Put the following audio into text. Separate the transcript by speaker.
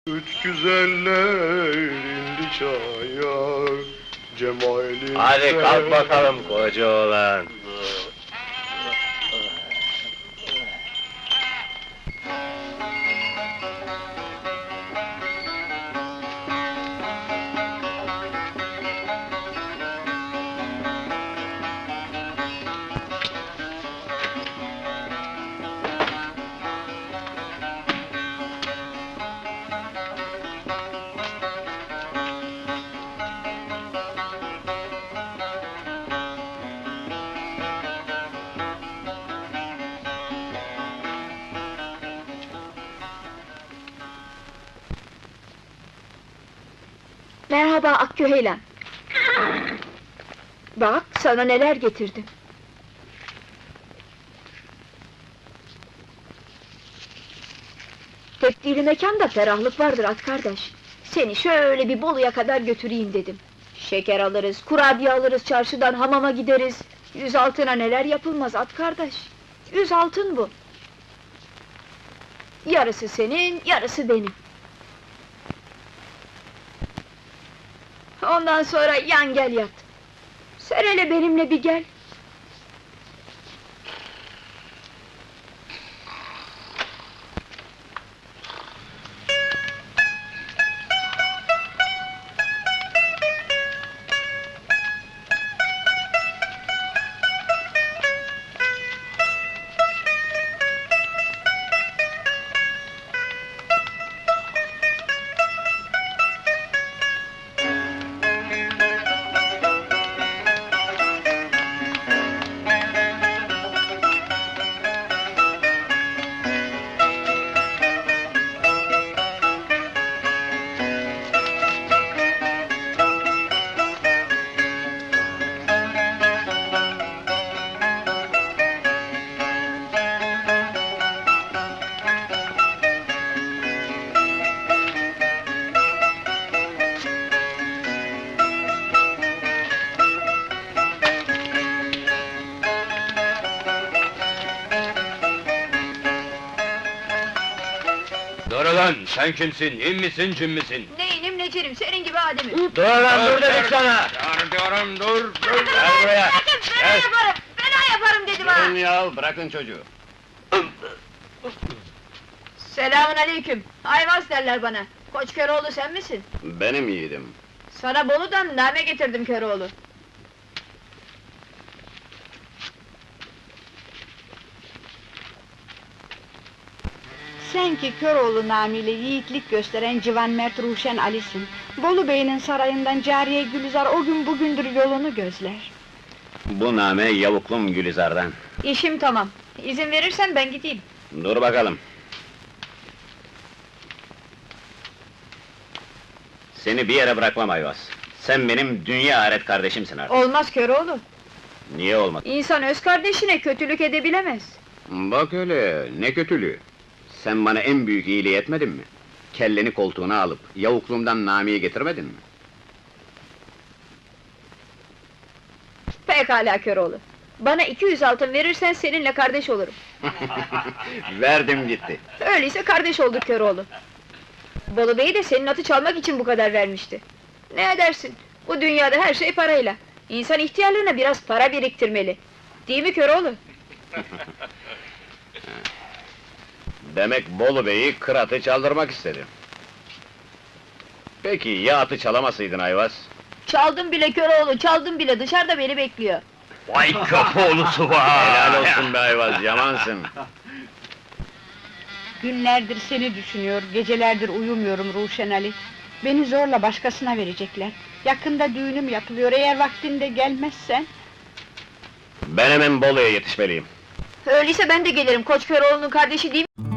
Speaker 1: Üç güzeller indi çaya, cemalin.
Speaker 2: Hadi kalk bakalım koca oğlan.
Speaker 3: Merhaba Akküheylan. Bak, sana neler getirdim. Tebdili mekanda ferahlık vardır at kardeş. Seni şöyle bir Bolu'ya kadar götüreyim dedim. Şeker alırız, kurabiye alırız, çarşıdan hamama gideriz. 100 altına neler yapılmaz at kardeş. 100 altın bu. Yarısı senin, yarısı benim. Ondan sonra yan gel yat. Sen hele benimle bir gel.
Speaker 2: Dur ulan, sen kimsin, in misin, cin misin?
Speaker 3: Neyinim necerim, senin gibi ademim.
Speaker 2: Dur lan, dur dedik sana!
Speaker 1: Diyorum, dur.
Speaker 2: Gel buraya!
Speaker 3: Fena yaparım, fena yaparım dedim ha!
Speaker 2: Durun ya, bırakın çocuğu!
Speaker 3: Selamun aleyküm, Ayvaz derler bana. Koç Köroğlu sen misin?
Speaker 2: Benim yiğidim.
Speaker 3: Sana Bolu'dan name getirdim Köroğlu.
Speaker 4: Sen ki Köroğlu namıyla yiğitlik gösteren Civan Mert Ruşen Ali'sin. Bolu Bey'in sarayından Cariye Gülizar o gün bugündür yolunu gözler.
Speaker 2: Bu name yavuklum Gülizar'dan.
Speaker 3: İşim tamam, izin verirsen ben gideyim.
Speaker 2: Dur bakalım. Seni bir yere bırakmam Ayvaz. Sen benim dünya aret kardeşimsin artık.
Speaker 3: Olmaz Köroğlu,
Speaker 2: Niye olmaz?
Speaker 3: İnsan öz kardeşine kötülük edebilemez.
Speaker 2: Bak öyle, ne kötülüğü! Sen bana en büyük iyiliği etmedin mi? Kelleni koltuğuna alıp, yavukluğumdan namiye getirmedin mi?
Speaker 3: Pekala Köroğlu, bana 200 altın verirsen seninle kardeş olurum.
Speaker 2: Verdim gitti.
Speaker 3: Öyleyse kardeş olduk Köroğlu. Bolu Bey de senin atı çalmak için bu kadar vermişti. Ne edersin? Bu dünyada her şey parayla. İnsan ihtiyarlarına biraz para biriktirmeli. Değil mi Köroğlu?
Speaker 2: Demek Bolu Bey'i kıratı çaldırmak istedi. Peki ya atı çalamasaydın Ayvaz?
Speaker 3: Çaldım bile Köroğlu, çaldım bile, dışarıda beni bekliyor.
Speaker 2: Vay kapoğlusu var! Helal olsun be Ayvaz, yamansın!
Speaker 4: Günlerdir seni düşünüyor, gecelerdir uyumuyorum Ruşen Ali. Beni zorla başkasına verecekler. Yakında düğünüm yapılıyor, eğer vaktinde gelmezsen...
Speaker 2: Ben hemen Bolu'ya yetişmeliyim.
Speaker 3: Öyleyse ben de gelirim, Koç Köroğlu'nun kardeşi değil mi?